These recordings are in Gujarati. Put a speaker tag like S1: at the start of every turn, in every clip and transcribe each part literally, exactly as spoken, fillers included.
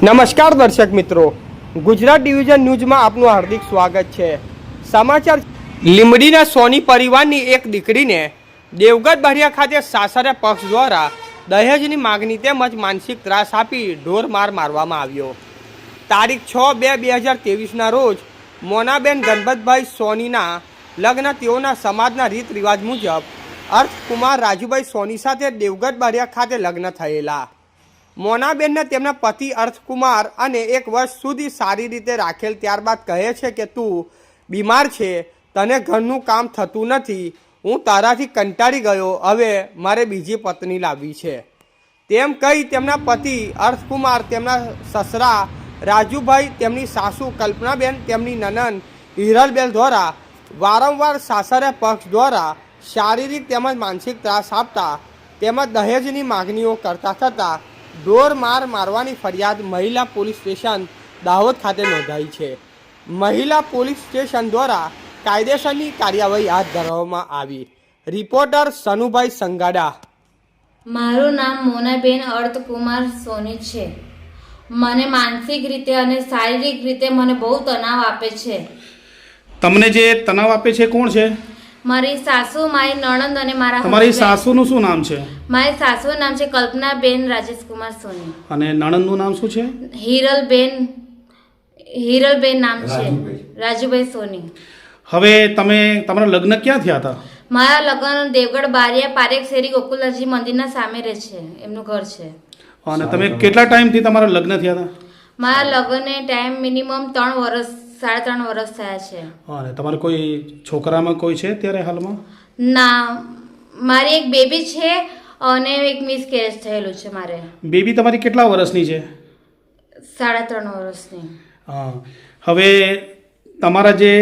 S1: નમસ્કાર દર્શક મિત્રો, ગુજરાત ડિવિઝન ન્યૂઝમાં આપનું હાર્દિક સ્વાગત છે। સમાચાર લીંબડીના સોની પરિવારની એક દીકરીને દેવગઢ બારિયા ખાતે સાસરે પક્ષ દ્વારા દહેજની માગણી તેમજ માનસિક ત્રાસ આપી ઢોર માર મારવામાં આવ્યો। તારીખ છ બે બે હજાર ત્રેવીસના રોજ મોનાબેન ગણપતભાઈ સોનીના લગ્ન તેઓના સમાજના રીત રિવાજ મુજબ અર્થકુમાર રાજુભાઈ સોની સાથે દેવગઢ બારિયા ખાતે લગ્ન થયેલા। મોનાબેનને તેમના પતિ અર્થકુમાર અને એક વર્ષ સુધી સારી રીતે રાખેલ ત્યારબાદ કહે છે કે તું બીમાર છે, તને ઘરનું કામ થતું નથી, હું તારાથી કંટાળી ગયો, હવે મારે બીજી પત્ની લાવવી છે તેમ કહી તેમના પતિ અર્થકુમાર તેમના સસરા રાજુભાઈ, તેમની સાસુ કલ્પનાબેન, તેમની નનન હિરલબેન દ્વારા વારંવાર સાસરે પક્ષ દ્વારા શારીરિક તેમજ માનસિક ત્રાસ આપતા તેમજ દહેજની માગણીઓ કરતા થતાં ઢોર માર મારવાની ફરિયાદ મહિલા પોલીસ સ્ટેશન દાહોદ ખાતે નોંધાઈ છે। મહિલા પોલીસ સ્ટેશન દ્વારા કાયદેસરની કાર્યવાહી હાથ ધરવામાં આવી। રિપોર્ટર સનુભાઈ સંગાડા।
S2: મારું નામ મોનાબેન અર્થકુમાર સોની છે। મને માનસિક રીતે અને શારીરિક રીતે મને બહુ તણાવ આપે છે।
S3: તમને જે તણાવ આપે છે કોણ છે?
S2: મારી સાસુ, મારી નણંદ અને મારા
S3: તમારી સાસુનું શું નામ છે?
S2: મારી સાસુનું નામ છે કલ્પનાબેન રાજેશકુમાર સોની
S3: અને નણંદનું નામ શું છે?
S2: હિરલબેન હિરલબેન નામ છે રાજુભાઈ સોની।
S3: હવે તમે તમારા લગ્ન ક્યાં થયા હતા?
S2: મારા લગ્ન દેવગઢ બારિયા પારેખ શેરી ગોકુલજી મંદિરના સામે રહે છે, એમનું ઘર છે।
S3: અને તમે કેટલા ટાઈમથી તમારા લગ્ન થયા હતા?
S2: મારા લગ્નને ટાઈમ મિનિમમ ત્રણ વર્ષ સાડા ત્રણ વર્ષ થયા છે।
S3: અને તમારે કોઈ છોકરામાં કોઈ છે અત્યારે હાલમાં?
S2: ના, મારી એક બેબી છે અને એક મિસકેરેજ થયેલું છે મારે।
S3: બેબી તમારી કેટલા વર્ષની છે?
S2: સાડા ત્રણ વર્ષની।
S3: હા, હવે તમારા જે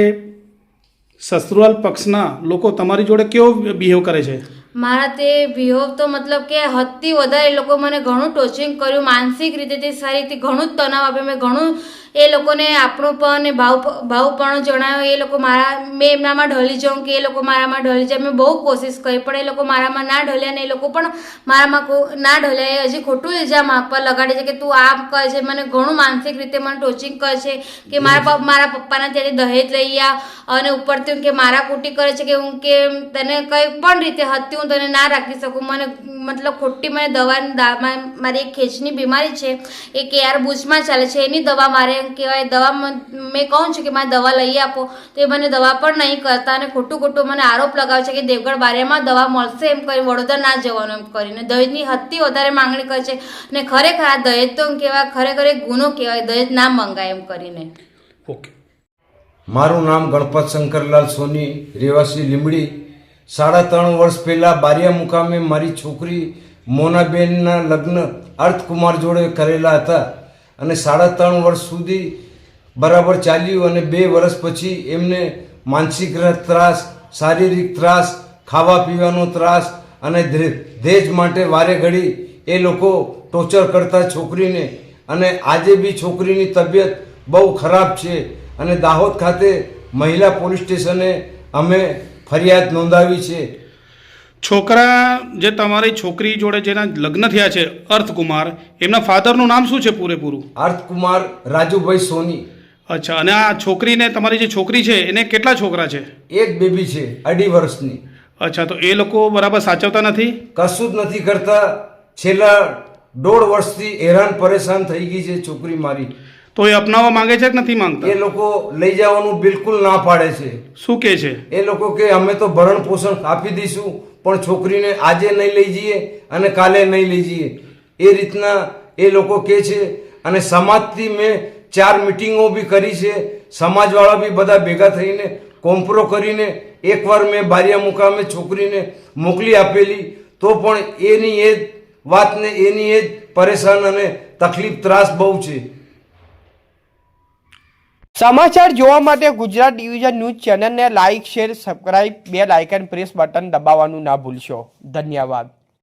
S3: સસુરાલ પક્ષના લોકો તમારી જોડે કેવો બિહેવ કરે છે?
S2: મારા તે બિહેવ તો મતલબ કે હદથી વધારે એ લોકો મને ઘણું ટોચિંગ કર્યું, માનસિક રીતે તે સારી રીતે ઘણું જ તણાવ આપ્યો। મેં ઘણું એ લોકોને આપણું પણ ભાવ ભાવપણું જણાવ્યો। એ લોકો મારા મેં એમનામાં ઢળી જાઉં કે એ લોકો મારામાં ઢળી જાય, મેં બહુ કોશિશ કરી પણ એ લોકો મારામાં ના ઢળ્યા ને એ લોકો પણ મારામાં ના ઢળ્યા। એ હજી ખોટું ઇલ્ઝામ આપવા લગાડે છે કે તું આમ કરે છે, મને ઘણું માનસિક રીતે મને ટોચિંગ કરે છે કે મારા મારા પપ્પાના ત્યાંથી દહેજ લઈ આવ્યા અને ઉપરથી કે મારા કુટી કરે છે કે હું કે તને કંઈ પણ રીતે હદથી હું તને ના રાખી શકું। મને મતલબ ખોટી મને દવા, મારી એક ખેંચની બીમારી છે, એ કે યાર ભુજમાં ચાલે છે, એની દવા મારે કહેવાય દવા મેં કહું છું કે મારે દવા લઈ આપો તો એ મને દવા પણ નહીં કરતા અને ખોટું ખોટું મને આરોપ લગાવે છે કે દેવગઢ બારિયામાં દવા મળશે એમ કરી વડોદરા ના જવાનું એમ કરીને દહેજની હદથી વધારે માંગણી કરે છે। અને ખરેખર આ દહેજ તો કહેવાય ખરેખર એક ગુનો કહેવાય, દહેજ ના મંગાય એમ કરીને।
S3: ઓકે,
S4: મારું નામ ગણપત શંકરલાલ સોની, રહેવાસી લીંબડી। સાડા ત્રણ વર્ષ પહેલાં બારિયા મુકામે મારી છોકરી મોનાબેનના લગ્ન અર્થકુમાર જોડે કરેલા હતા અને સાડા ત્રણ વર્ષ સુધી બરાબર ચાલ્યું અને બે વર્ષ પછી એમને માનસિક ત્રાસ, શારીરિક ત્રાસ, ખાવા પીવાનો ત્રાસ અને દહેજ માટે વારે ઘડી એ લોકો ટોર્ચર કરતા છોકરીને। અને આજે બી છોકરીની તબિયત બહુ ખરાબ છે અને દાહોદ ખાતે મહિલા પોલીસ સ્ટેશને અમે ફરિયાદ નોંધાવી છે।
S3: છોકરા જે તમારી છોકરી જોડે જેના લગ્ન થયા છે અર્થકુમાર, એમના ફાધરનું નામ શું છે પૂરેપૂરું?
S4: અર્થકુમાર રાજુભાઈ સોની।
S3: અચ્છા, અને આ છોકરીને તમારી જે છોકરી છે એને કેટલા છોકરા છે?
S4: એક બેબી છે અઢી વર્ષની।
S3: અચ્છા, તો એ લોકો બરાબર સાચવતા નથી?
S4: કશું જ નથી કરતા। છેલ્લા દોઢ વર્ષથી હેરાન પરેશાન થઈ ગઈ છે છોકરી મારી।
S3: તો એ અપનાવવા માંગે છે કે નથી માંગતા?
S4: એ લોકો લઈ જવાનું બિલકુલ ના પાડે છે।
S3: શું કહે છે
S4: એ લોકો કે અમે તો ભરણ પોષણ આપી દઈશું પણ છોકરીને આજે નહીં લઈ જઈએ અને કાલે નહીં લઈ જઈએ, એ રીતના એ લોકો કહે છે। અને સમાજથી મેં ચાર મિટિંગો બી કરી છે, સમાજવાળા બી બધા ભેગા થઈને કોમ્પ્રો કરીને એકવાર મેં બારિયા મુકામે છોકરીને મોકલી આપેલી તો પણ એની એ જ વાતને એની એ જ પરેશાન અને તકલીફ ત્રાસ બહુ છે।
S1: સમાચાર જોવા માટે ગુજરાત ડિવિઝન ન્યૂઝ ચેનલને like, share, subscribe, bell icon press button દબાવવાનું ના ભૂલશો। ધન્યવાદ।